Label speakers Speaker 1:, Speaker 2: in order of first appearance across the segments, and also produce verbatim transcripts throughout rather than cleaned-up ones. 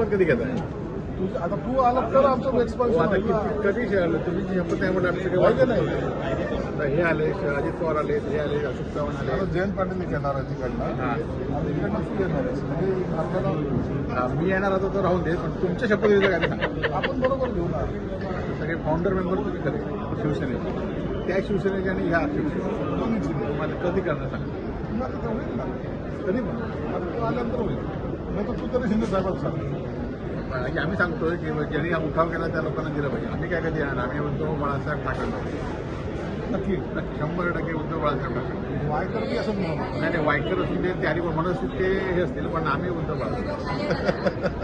Speaker 1: शपथ कधी घेताय?
Speaker 2: तुझं आता तू आला तर आमचं
Speaker 1: हो,
Speaker 2: एक्सपान्शन
Speaker 1: आता
Speaker 2: होईल ना.
Speaker 1: किती- कधी शे- आलं तुम्ही जी शपथ आहे म्हणलं आमचं काही
Speaker 2: पाहिजे
Speaker 1: वाटत
Speaker 2: नाही.
Speaker 1: नाही. आता हे आले अजित पवार आले, हे आले, अशोक चव्हाण आले.
Speaker 2: आता जयंत पाटील येणार आहे तिकडनं
Speaker 1: हा.
Speaker 2: आणि इकडनं तू येणार आहेस. म्हणजे आपल्याला
Speaker 1: हा, मी येणार होतो तर राहून दे, पण तुमच्या शपथविधीचं काय ते सांगा.
Speaker 2: आपण बरोबर घेऊ ना.
Speaker 1: सगळे फाउंडर मेंबर तुम्ही खरे शिवसेनेचे, त्या शिवसेनेचे आणि ह्या शिवसेने
Speaker 2: दोन्हीची दे.
Speaker 1: तुम्हाला कधी करणार सांगा.
Speaker 2: पुन्हा तिथं होईल ना.
Speaker 1: कधी पण
Speaker 2: आता तू आल्यानंतर होईल. नाही तर तू तरी शिंदे साहेबांना सांग.
Speaker 1: म्हणजे आम्ही सांगतोय की ज्यांनी हा उठाव केला त्या लोकांना दिलं पाहिजे. आम्ही काय कधी येणार, आम्ही उद्धव बाळासाहेब ठाकरे,
Speaker 2: नक्की
Speaker 1: नक्की शंभर टक्के उद्धव बाळासाहेब ठाकरे.
Speaker 2: वायकर बी असं म्हणून
Speaker 1: नाही नाही वाईकर असून ते त्यारी म्हणत असतील ते हे असतील, पण आम्ही उद्धव बाळासाहेब.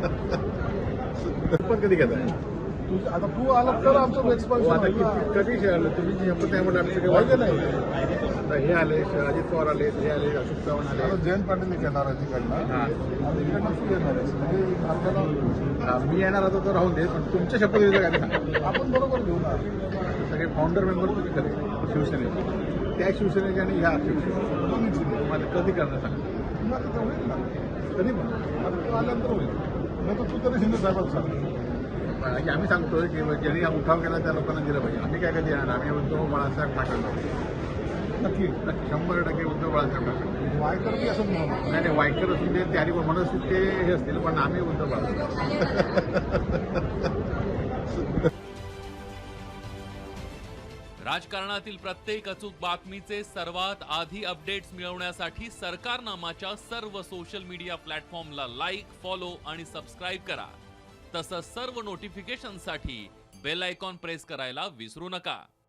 Speaker 1: शपथ कधी घेताय?
Speaker 2: तुझं आता तू आला तर आमचं
Speaker 1: हो,
Speaker 2: एक्सपान्शन
Speaker 1: आता
Speaker 2: होईल ना.
Speaker 1: किती- कधी शे- आलं तुम्ही जी शपथ आहे म्हणलं आमचं काही
Speaker 2: पाहिजे
Speaker 1: वाटत
Speaker 2: नाही.
Speaker 1: नाही. आता हे आले अजित पवार आले, हे आले, अशोक चव्हाण
Speaker 2: आता
Speaker 1: आले.
Speaker 2: जयंत पाटील येणार आहे तिकडनं
Speaker 1: हा.
Speaker 2: आणि इकडनं तू येणार आहेस. म्हणजे आपल्याला
Speaker 1: हा, मी येणार होतो तर राहून दे, पण तुमच्या शपथविधीचं काय ते सांगा.
Speaker 2: आपण बरोबर घेऊ ना.
Speaker 1: सगळे फाउंडर मेंबर तुम्ही खरे शिवसेनेचे, त्या शिवसेनेचे आणि ह्या शिवसेने
Speaker 2: दोन्हीची दे.
Speaker 1: तुम्हाला कधी करणार सांगा.
Speaker 2: पुन्हा तिथं होईल ना.
Speaker 1: कधी पण
Speaker 2: आता तू आल्यानंतर होईल. नाही तर तू तरी शिंदे साहेबांना सांग.
Speaker 1: म्हणजे आम्ही सांगतोय की ज्यांनी हा उठाव केला त्या लोकांना दिलं पाहिजे. आम्ही काय कधी येणार, आम्ही उद्धव बाळासाहेब ठाकरे,
Speaker 2: नक्की
Speaker 1: नक्की शंभर टक्के उद्धव बाळासाहेब ठाकरे.
Speaker 2: वायकर बी असं म्हणून
Speaker 1: नाही नाही वाईकर असून ते त्यारी म्हणत असतील ते हे असतील, पण आम्ही उद्धव बाळासाहेब.
Speaker 3: राजकारणातील प्रत्येक अचूक बातमीचे सर्वात आधी अपडेट्स मिळवण्यासाठी सरकारनामाच्या सर्व सोशल मीडिया प्लॅटफॉर्मला लाईक, फॉलो आणि सबस्क्राईब करा. तसंच सर्व नोटिफिकेशनसाठी बेल आयकॉन प्रेस करायला विसरू नका.